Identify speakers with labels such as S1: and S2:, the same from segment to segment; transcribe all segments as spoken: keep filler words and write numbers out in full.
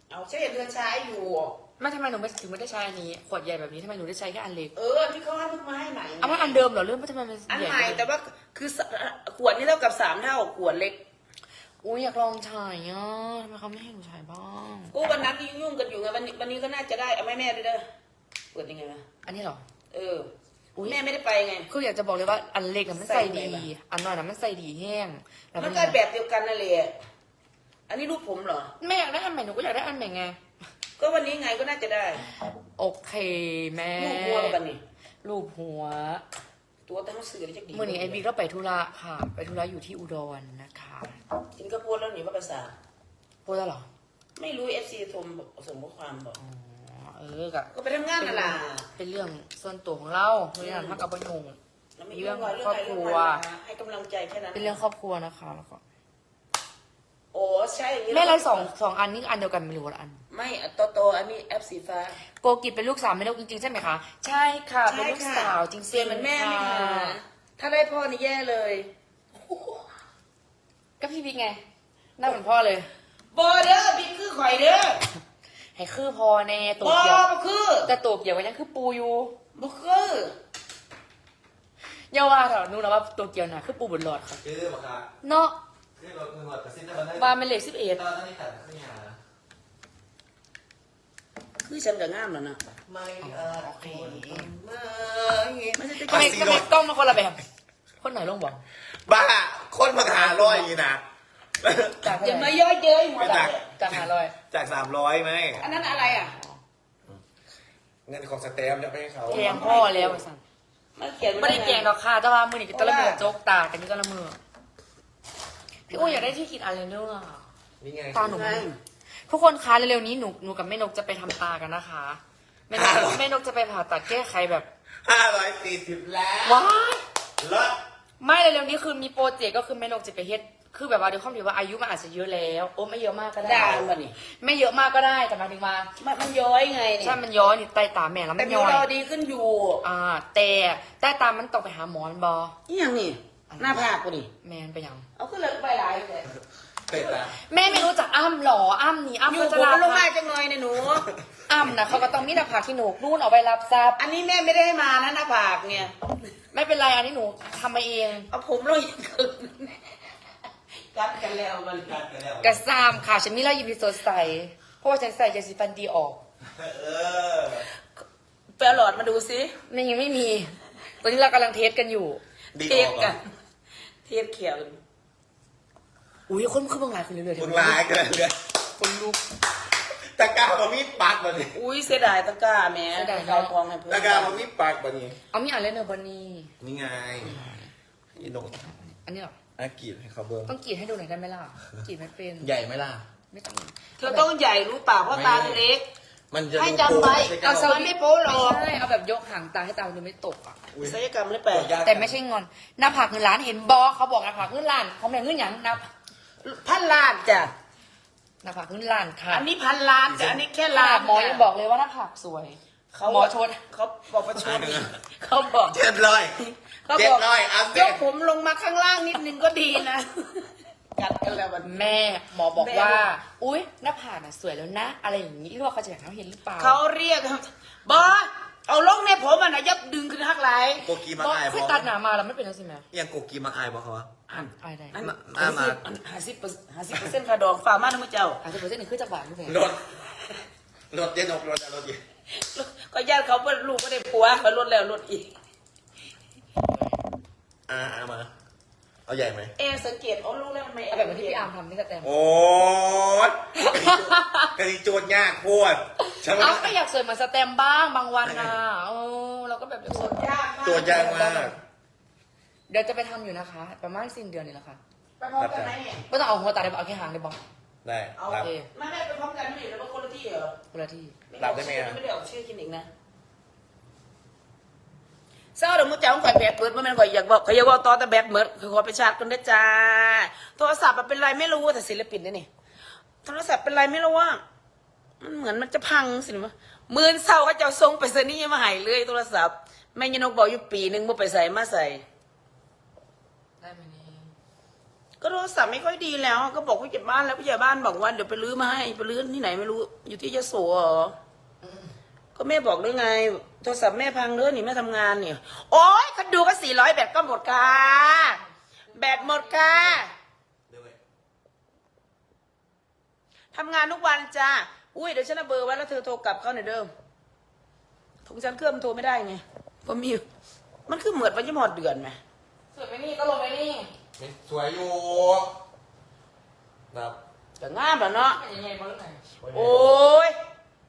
S1: เอาใช่เดือนใช้อยู่
S2: ไม่ทำไมหนูไม่ถึงไม่ได้ใช้อันนี้ขวดใหญ่แบบนี้ทำไมหนูได้ใช้แค่อันเล็ก
S1: เออที่เขาให้เพิ่งมาให้ใหม่
S2: เอามันอันเดิมเหรอเรื่องทำไมมัน
S1: อัน
S2: ใหญ่
S1: ใหม่แต่ว่าคือขวดนี่เท่ากับสามเท่าขวดเล็ก
S2: อุ้ยอยากลองใช้อ่ะทำไมเขาไม่ให้หนูใช้บ้าง
S1: กูวันนั้นที่ยุ่งกันอยู่ไงวันนี้วันนี้ก็น่าจะได้เอาแม่แม่ด้วยเด้อเปิดยังไงวะ
S2: อันนี้เหรอ
S1: เออแม่ไม่ได้ไปไง
S2: คืออยากจะบอกเลยว่าอันเล็กน่ะมันใส่ดี
S1: ใส่ไหนบ้าง
S2: อันน้อยน่ะมันใส่ดีแห้งแล้ว
S1: มันก็แบบเดียวกันนั่นแหละอันนี้รูปผมเหรอ
S2: แม่อยากได้อันใหม่หนูก็อยากได้อันใหม่ไง
S1: ก็วันนี้ไงก็น่าจะได้
S2: โอเคแม่
S1: รูปหัวกันนี่
S2: รูปหัว
S1: ตัวทั้งสื่อเลยจะดี
S2: เมื่อนี้ไอบีก็ไปธุระค่ะ ไปธุระอยู่ที่อุดรนะคะ
S1: จินก็โพสต์แล้วหนีว่าภาษา
S2: พูดแล้วเหรอ
S1: ไม่รู้เอฟซีโทรมาส่งข้อความบอก
S2: อ๋อเออกะ
S1: ก็ไปทำงานน่ะล่ะ
S2: เป็นเรื่องส่วนตัวของเราเรื่องพักกับประยง
S1: แล้วไม่
S2: เรื่
S1: เรื่
S2: อ
S1: อง ง
S2: ครอบ
S1: อะไร
S2: ครั
S1: เรื่อง
S2: ว
S1: อะไรนะให้กำลังใจแค่นั้น
S2: เป็นเรื่องครอบครัวนะคะแล้วก็
S1: โอ้ใช่อย่างนี้
S2: แม่ไรสองสองอันนี้อันเดียวกันไม่รู้ว่าอัน
S1: ไม่โตโตอันนี้แอปสีฟ้า
S2: โกกิเป็นลูกสาวแม่นกจริงๆใช่ไหมคะ ใช่ค่ะ เป็นลูกสาวจริงๆ
S1: เสียเหมือนแม่ไหมคะ
S2: ค่ะ
S1: ถ้าได้พ่อนี่แย่เลย
S2: ก็พี่บิ๊กไงหน้าเหมือนพ่อเลย
S1: บอเด้อบิ๊กคือข่อยเด้อ
S2: ให้คือพอแน่ตัว
S1: บอ
S2: เกี่ยว
S1: บ่คือ
S2: แต่ตัวเกี่ยวกันยังคือปูอยู่
S1: บ่คือ
S2: อย่าว่าเถอะนู้นนะว่าตัวเกี่ยวน่ะคือปูบนหลอดค่ะ
S3: คือบอกค่ะ
S2: เนาะ
S3: คือรถมือหมดกระซิบได้มาได้
S2: ว่าเป็นเหล็กสิบเอ็ด
S3: ตอนนั้นนี่แต่ขึ้นยา
S1: คือฉันก็งามแล้วนะ
S3: ไม่เออ
S2: โอเค
S1: ไม่ไม่ใช่
S2: ทำไมทำไมกล้องมาคนละแบบ คนไหนลงบอก
S3: บ้าคนมาหาร้อยอย่างนี้นะ
S2: จาก
S1: อย่ามาย่อเย้ยหัว
S2: จาก
S1: เราะ
S2: จากหาลอย
S3: จากสามร้อยไหม
S1: อันนั้นอะไรอ่ะ
S3: เงินของสเตมจะให้เขา
S2: แกงพ่อแล้วไอ้สัน
S1: มันเขียน
S2: ไม่ได้แกงดอกค่ะแต่ว่ามือนี่ก็ตะละมือโจกตาแต่นี่ก็ละมือพี่อุ้ยอยากได้ที่กินอะไรเนื้อะ
S3: นี่ไง
S2: ตาหนูทุกคนคะเร็วๆนี้หนูหนูกับแม่นกจะไปทำตากันนะคะแม่นกแม่นกจะไปผ่าตัดแก้ไขแบบ
S3: ห้าร้อยสี่สิบแล้ว
S2: ว้าย
S3: ลด
S2: ไม่เร็วๆนี้คือมีโปรเจกต์ก็คือแม่นกจะไปเฮ็ดคือแบบว่าด้วยความที่ว่าอายุมันอาจจะเยอะแล้วโอ้ไม่เยอะมากก็ได้
S1: ด่ามันนี่
S2: ไม่เยอะมากก็ได้แต่หมายถึงว่า
S1: มันมันย้อยไงนี่
S2: ใช่มันย้อยนี่ใต้ตาแม่แล้ว
S1: แต่
S2: มัน
S1: มี
S2: ย้อย
S1: เราดีขึ้นอยู่
S2: อ่าแต่ใต้ตามันต้องไปหาหมอมันบอ
S1: นี่ยังนี่หน้าผากกูดิ
S2: แมนไปยัง
S1: เอาขึ้นเลยไปหลายเลย
S3: เป็ดละ
S2: แม่ไม่รู้จักอ้ำหรออ้ำนี่อ้ำ
S1: อยู่
S2: พัช
S1: ผม
S2: รา
S1: ก็ลงมา
S2: ภา
S1: จังหน่อยเนี่ยหนู
S2: อ้ำนะเขาก็ต้องมีหน้าผากที่หนูนู่นเอาไปรับทราบ
S1: อันนี้แม่ไม่ได้ให้มานะหน้าผากเนี่ย
S2: ไม่เป็นไรอันนี้หนูทำมาเอง
S1: เอาผมลงอีกครึ่งกัดกันแล้วมัน
S3: กัดกันแล้ว
S2: กระซามค่ะฉันมีรอยยิ้มที่สดใสเพราะว่าฉันใส่ยาสีฟันดีออก
S3: เออ
S1: ไปเอาหลอดมาดูซิ
S2: มันยังไม่มี ตอนนี้เรากำลังเทสกันอยู่
S3: ดี
S1: เท
S3: อ
S1: ส
S3: อก
S1: กั
S3: อ่ะ
S1: นเทสเขียว
S2: อุ้ยคนคือเบิ่งหลายคนเรื่อยๆ
S3: มึงลายกันเลย
S2: คนลุก
S3: ตะกร้าบะมีปักบะนี่
S1: อุ้ยเสียดายตะกร้าแม่
S2: เสียดาย
S1: เขาทองให้เพื่อน
S3: ตะกร้าบะมีปักบะนี่
S2: เอามีอะไรเนอร์บอนี่
S3: นี่ไงอีนก
S2: อันนี้เหรอ
S3: อากรีดให้เขาเบิ้ง
S2: ต้องกรีดให้ดูหน่อยได้ไหมล่ะกรีดไม่เป็น
S3: ใหญ่ไหมล่ะ
S2: ไม่ต้อง
S1: เธอต้องใหญ่รู้เปล่าเพราะตาเล็ก
S3: มันจะ
S1: ให้จำไว้
S3: เอา
S1: เอา
S3: เ
S1: สวัสดีโป๊หรอก
S2: ใช่เอาแบบยกหางตาให้ตาดูไม่ตกอ่ะ
S1: ศัลยกรรมหรือเปล่า
S2: แต่ไม่ใช่งอนหน้าผากเงินล้านเห็นบอเขาบอกหน้าผากเงินล้านเขาแม่งเงินหยังหน้า
S1: พันล้านจ้ะ
S2: หน้าผากเงินล้านค่ะ
S1: อันนี้พันล้านจ้ะอันนี้แค่
S2: ล้า
S1: ล้าน
S2: นหมอยังบอกเลยว่าหน้าผากสวย
S1: เขา
S2: หมอชน
S1: เขาบอกประชดเขาบอก
S3: เจ็ดร้อย
S1: เขา
S3: เจ็
S1: บ
S3: ด
S1: อก
S3: ร้อยอัพเด
S1: ย
S3: ต
S1: กผมลงมาข้างล่างนิดนึงก็ดีนะ กัดกันแล้วมัน
S2: แม่หมอบอก
S1: แม่
S2: ว่า อุ้ยหน้าผากน่ะสวยแล้วนะ อะไรอย่างนี้ที่ว่าเขาจะอยากให้เราเห็นหรือเปล่า
S1: เขาเรียกบอสเอาลงในผมอ่ะนะยับดึงขึ้นหักไหล
S3: โกกีมา
S2: บอก
S3: อายบ
S2: คือ
S3: อก
S2: ตัดหนามาแล้วไม่เป็นแล้วสิแม่
S3: ยังโกกีมาอายบอกเขาวะ
S1: อัน
S2: อะไรได้
S1: อัน
S3: มา
S1: ห้า
S3: มา
S1: สิบห้าสิบเปอร์ห้าสิบเปอร์เซ็นต์ค่าดองฝากมาทั้งเจ้า
S2: อาจจะเปอร์เซ็นต์หนึ่งคือจากบาทหรือเปล่าร
S3: ถรถเย็นอกรถอะรถเย็น
S1: ก็ญาติเขาเป็นลูกไม่ได้ผัวเขาลดแล้วลดอีก
S3: อ่าเอามา เอาใหญ่ไหม
S1: เอสังเกตเอาลูกแล้วมันไม่
S2: เอาแบบเหมือนที่พี่อาร์มทำนี่ก็แตม
S3: โอ้ยกะทิโจทย์ยากโคตรใช่ไหม
S2: เอาก็อยากสวยเหมือนสแตมบ้างบางวันนะเออเราก็แบบอยากสวย
S1: ยากมาก
S3: โจทย์ยากมาก
S2: เดี๋ยวจะไปทำอยู่นะคะ ประมาณสิ้นเดือนนี่แหละค่ะ
S1: ไปพร้อมกันไหมเนี่ย
S2: ไม่ต้องเอาหัวตาได้บอกเอาแค่หางได้บอก
S3: ได้
S1: เอา
S3: รับ
S2: โอเค
S1: ไม่ไม่ไปพร้อมกันไม่ได้แล้วมันคนละที่เหรอ
S2: คนละที่
S3: รับได้ไหมอะ
S1: ไม่ได้ออกชื่อคลินิกนะเศร้าเดี๋ยวมึงจะเอาข่อยแบตเบิดเมื่อมันข่อยอยากบอกข่อยอยากบอกต่อแต่แบตเบิดคือขอไปชาร์จกันได้จ้าโทรศัพท์มันเป็นไรไม่รู้แต่ศิลปินนี่นี่โทรศัพท์เป็นไรไม่รู้ว่ามันเหมือนมันจะพังสิวะมือเศร้าก็จะเอาทรงไปเซนี่มาใหายเลยโทรศัพท์แม่ยนกบอกอยู่ปีหนึ่งมึงไปใส่มาใส่
S2: ได้ไหมนี่
S1: ก็โทรศัพท์ไม่ค่อยดีแล้ว ก็บอกผู้ใหญ่บ้านแล้วผู้ใหญ่บ้านบอกว่าเดี๋ยวไปรื้อมาให้ไปรื้อที่ไหนไม่รู้อยู่ที่ยโสเหรอก็แม่บอกด้วยไงโทรศัพท์แม่พังเด้อนี่แม่ทำงานเนี่ยโอ๊ยคันดูก็สี่ร้อยแบตก็หมดค่ะแบตหมดค่ะทำงานทุกวันจ้าอุ้ยเดี๋ยวฉันเอาเบอร์ไว้แล้วเธอโทรกลับเขาหน่อยเดิมถุงฉันเครื่องมันโทรไม่ได้ไงเพราะมีมันคือเหมือนวันยี่หมดเดือนไหม
S2: สวยไหมนี่ก็ลงไปนี่
S3: สวยอยู่ครับ
S1: แต่งามแล้วเนาะ
S2: เป็นยังไงบ้างไหน
S1: โอ้ย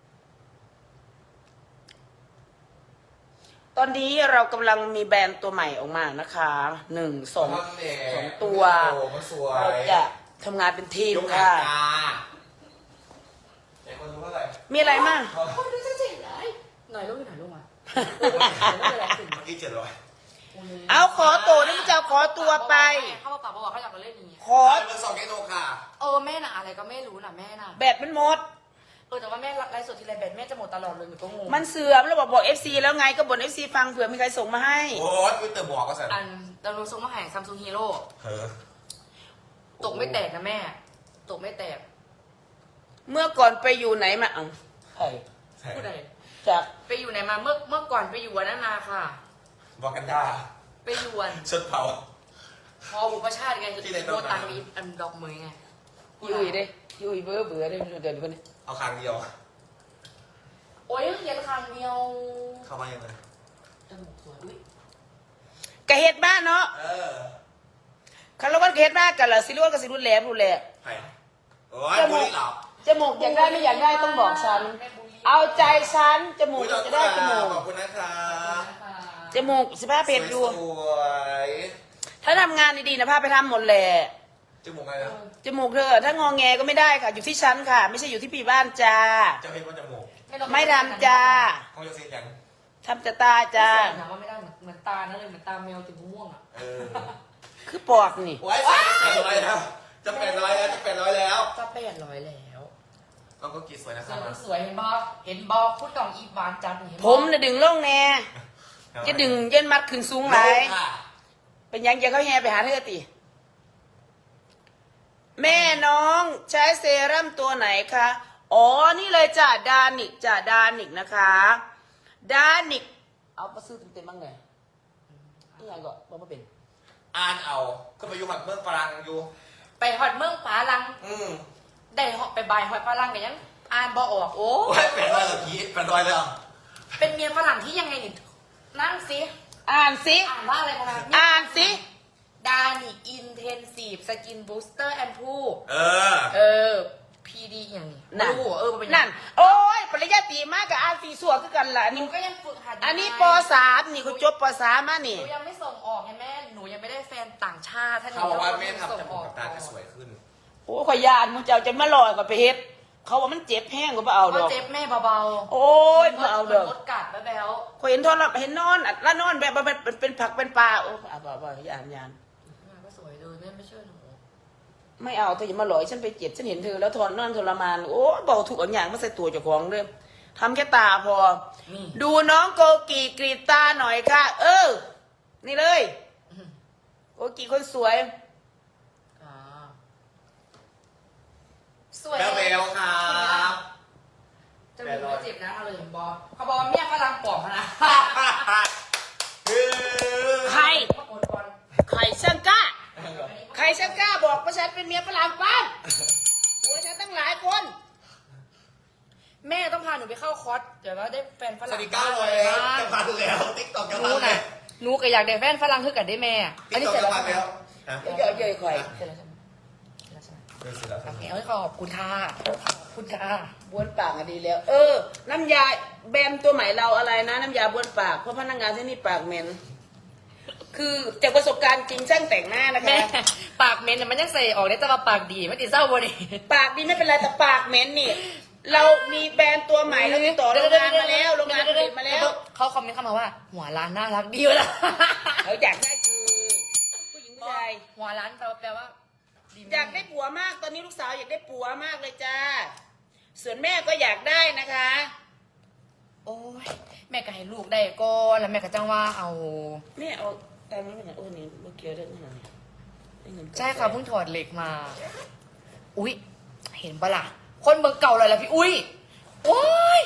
S1: ตอนนี้เรากำลังมีแบรนด์ตัวใหม่ออกมานะคะหนึ่งสองสองตัว
S3: โอ้มันสวย
S1: เราจะทำงานเป็นทีม
S3: ยก
S1: ค่ะ
S3: ตาไอ้คนรู้เท่าไหร่
S1: มีอะไรมั่ง
S2: โอ้ยดูเจ๋งเลยหน่อยลูกหน่อยลูกมา
S3: เมื่อกี้เจ็ดร้อย
S1: เอาขอตัวนี่จะขอตัวไป
S2: เขาบอกบอกเขาอยากมาเล่นอย่างนี้
S1: ขอ
S3: เบอร์สองแกโนค่ะ
S2: เออแม่น่ะอะไรก็ไม่รู้น่ะแม่น่ะ
S1: แบตมันหมด
S2: เออแต่ว่าแม่ไลฟ์สดทีไรแบตแม่จะหมดตลอดเลยหนูก็งง
S1: มันเสื่อมแล้วบอกบอกเอฟซีแล้วไงก็บ่นเอฟซีฟังเผื่อมีใครส่งมาให้
S3: โอ้ยคุณเตอร์บอกก็สั่น
S2: อันเราลงส่งมาให้ซัมซุงฮีโร่
S3: เฮ้อ
S2: ตกไม่แตกนะแม่ ตกไม่แตก
S1: เมื่อก่อนไปอยู่ไหนมาเอ้าใคร
S3: ใช่
S2: พูดอะไร
S1: จาก
S2: ไปอยู่ไหนมาเมื่อเมื่อก่อนไปอยู่วันนั้นมาค่ะ
S3: บอกกันดา
S2: ไปอยู่วัน
S3: ชดเผา
S2: พอบุปชาติไง
S3: ที่ไหน
S2: โบตังนี้อันดอกมือไง
S1: ยุยเด้ยุยเบื่อเบื่อเด้เดี๋ยวคนนี้
S3: เอาคางเดียว
S2: โอ้ยเขียนคางเดียว
S3: เข้ามายังไง
S2: จมูกสวยด้วย
S1: กะเฮ็ดบ้านเนาะ
S3: เออ
S1: คาร์ลวันกะเฮ็ดบ้านกันเหรอสิรู้ว่ากับสิรุ่นแหลมรุ่นแหลม
S3: ใครโอ้ยบุรีหลับ
S1: จมูกอยากได้ไม่อยากได้ต้องบอกฉัน เอาใจฉันจมูกจะได้จมูก
S3: ขอบคุณนะคะ
S1: จมูกสิบห้าเพจอยู่
S3: สวย
S1: ถ้าทำงานดีๆนะพาไปทำหมดแหละ
S3: ๆจมูกไงนะ
S1: จมูกเธอถ้างอแงก็ไม่ได้ค่ะ อยู่ที่ฉันค่ะ ไม่ใช่อยู่ที่ปีบ้านจ้า
S3: จะเป็นว่าจมูก
S1: ไม่ทำจ้า
S3: เขาจะเสียยัง
S1: ทำจะตาจ้า
S2: ถามว่าไม่ได้เหมือนเหมือนตานั่นเลยเหมือนตาแมวติดม่วงอ่ะ
S3: เออ
S1: คือปอกนี่
S3: โอ้ยแปดร้อยแล้วจะแปดร้อยแล้วจะแปดร้อยแล้ว
S2: จะแปดร้อยแล้ว
S3: ต้องก็กีสวยนะค
S2: ส
S3: รั
S2: ว
S3: บ
S2: ยสวยเห็นบอเห็นบอพูดกล่องอีบานจันเห็นบ่
S1: ผมน่ะดึงลงแน่จะดึงเย็นมัดขึ้นสูงไหลาย
S3: ค่ะ
S1: เป็นยังจะเข้าแฮไปหาเธอติ แม่น้องใช้เซรั่มตัวไหนคะ อ๋อ นี่เลยจ้ะดานิกจ้ะดานิกนะคะ ดานิก เอาไปซื้อเต็มๆบ้างเลยนี่ยังก็บอกว่าเป็น
S3: อ่านเอาก็ไปอยู่หัดเมืองฝรั่งอยู่
S2: ไปหอดเมืองฟ้าลัง
S3: อืม
S2: ได้หอดไปบายหอดฟ้าลังกันยังอ่านบอออกโอ้
S3: โอ้ยแปดร้อยแล้วพีแปดร้อยแล้ว
S2: เป็นเมียฝรั่งที่ยังไงนี่นั่งสิ
S1: อ่านสิ
S2: อ่านว่าอะไรนะ
S1: อ่านสิ
S2: ดานิกอินเทนซีฟสกินบูสเตอร์แอนด์พู
S3: เออ
S2: เออ พีดีอย่างนี้
S1: นั่น
S2: รู้เออมันเป็น
S1: นั่น โอ้ย ปริญญาตรีมากกับอ่านสีสัวคือกันล่ะอัน
S2: หนู
S1: นี้
S2: ก็ยังฝึกหัดยู่
S1: อันนี้
S2: ไง
S1: ปสามนี่เขาจบปสามมา
S2: ห
S1: นี่
S2: นูยังไม่ส่งออกไงแม่ หนูยังไม่ได้แฟนต่างชาติถ้าหนู
S3: เขาบอกว่าแม่
S2: ส่
S3: ทำจ
S2: ง
S3: มู
S2: อก อก
S3: กับตาจะสวยขึ้น
S1: โอ้ยขอยยานมึงจะเอาจะมาลอยกับไปเฮ็ด เขาว่ามันเจ็บแห้งก็บ่เอาด
S2: ก็
S1: อก
S2: เจ็บแม่เบาๆ
S1: โอ้ยบ่เอาดอก
S2: รถกัดแบ๊ว
S1: ขอยเห็นทอนแล้วเห็นนอนอัดแล้วนอนแบบว่าเป็นเป็นเป็นผักเป็นปลาโอ้เอาบ่บ่ยานยาน
S2: ๆแม่ก็สวยเลยแม่ไม่เชื่อหนู
S1: ไม่เอาเธออย่ามาหลอยฉันไปเจ็บฉันเห็นเธอแล้วทอนนอนทรมานโอ้ยบอกถูกเอาอย่างมาใส่ตัวเจ้าของเด้อทำแค่ตาพอ
S2: นี่
S1: ดูน้องโกกีกรีดตาหน่อยค่ะ เออ นี่เลยโกกีคนสวย
S2: อ่าสวย
S3: แล้วเบลครับ
S2: จะมีไม่เจ็บนะเอาเลยเห็นบอเขาบอกว่าเมียฝรั่งปลอมนะ
S3: คือ
S1: ใคร
S2: มากดก่อน
S1: ใครช่างกล้า ใครช่างกล้าบอกว่าฉันเป็นเมียฝรั่งปั้มหัวฉันตั้งหลายคน
S2: แม่ต้องพาหนูไปเข้าคอร์สเดี๋ยวว่าได้แฟนฝ
S3: ส
S2: รั่
S3: วั
S2: ง
S3: สดีเก้าร้อยแล้วจะพันแล้วติ๊กต็อกจะ
S2: ห
S3: พั
S2: นู
S3: นแล้
S2: น่ะ
S3: ว
S2: หนูก็อยากได้แฟนฝรั่งคือกันได้แม่ อัน
S3: ติ๊ก
S2: นี้
S3: ต็อก
S2: เสร็จ
S3: จะ
S2: แล้ว
S3: พัน
S2: ใช่ไหม
S3: แล้ว
S1: เยอะๆข่อย
S2: เสร็จแล้วใช่ไหมเสร็จแล้วใช่ไหม
S3: เออเสร็จแล้วค
S2: โอ
S3: รับ
S2: เคเอาขอบคุณค่ะขอบคุณค่ะ
S1: บ้วนปากอะดีแล้ว เออ น้ำยาแบมตัวใหม่เราอะไรนะ น้ำยาบ้วนปากเพราะพนักงานที่นี่ปากเหม็นคือจากประสบการณ์จริงช่างแต่งหน้านะคะ
S2: แม่ปากเหม็นเนี่ยมันยังใส่ออกได้แต่ว่าปากดีไม่ติดเศร้าบ่ดิ
S1: ปากดีไม่เป็นไรแต่ปากเหม็นนี่ เรามีแบรนด์ตัวใหม่เราติดต่อโรงงานมาแล้วโรงงานผลิตมาแล้ว
S2: เขาคอมเมนต์เข้ามาว่า หัวร้านน่ารักดีวะล่ะ
S1: เขาอยากได้คือผู้หญิงผู้ชาย
S2: หัวร้านแปลว่าแปลว่าดี
S1: อยากได้ผัวมากตอนนี้ลูกสาวอยากได้ผัวมากเลยจ้าส่วนแม่ก็อยากได้นะคะ
S2: โอ้ยแม่ก็ให้ลูกได้ก็แล้วแม่ก็จังว่าเอา
S1: แม่เอาตังค์ไม่เป็นไรโอ้นี่เมื่อกี้เรื่องอะไรเงิน
S2: ใช่ค่ะเพิ่งถอดเหล็กมา อุ๊ย เห็นปะล่ะ คนเบอร์เก่าเลยล่ะพี่อุ้ยโอ้ย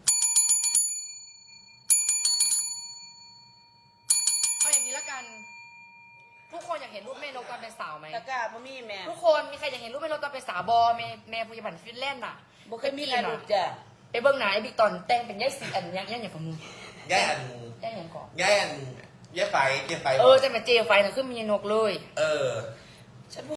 S2: เอาอย่างนี้ละกัน ทุกคนอยากเห็นรูปแม่นกตอนเป็นสาวไหม
S1: ตะกร้าพ่อมี่แม่
S2: ทุกคนมีใครอยากเห็นรูปแม่นกตอนเป็นสาวบอแม่แม่พยาบาลฟินแลนด์น่ะ
S1: บ่เคยมีอะไรลูกจ้ะ
S2: ไปเบิ้งหนาไอ้บิ๊กตอนแต่งเป็นย่ายสีอันยังยังอย่างของมึง
S3: ย่ายอัน
S2: ย่ายอย่างก่อน
S3: ย่ายอันย่ายไฟย่ายไฟ
S2: เออจะมาเจไฟนะขึ้นมีนกเลย
S3: เออ
S1: ฉัน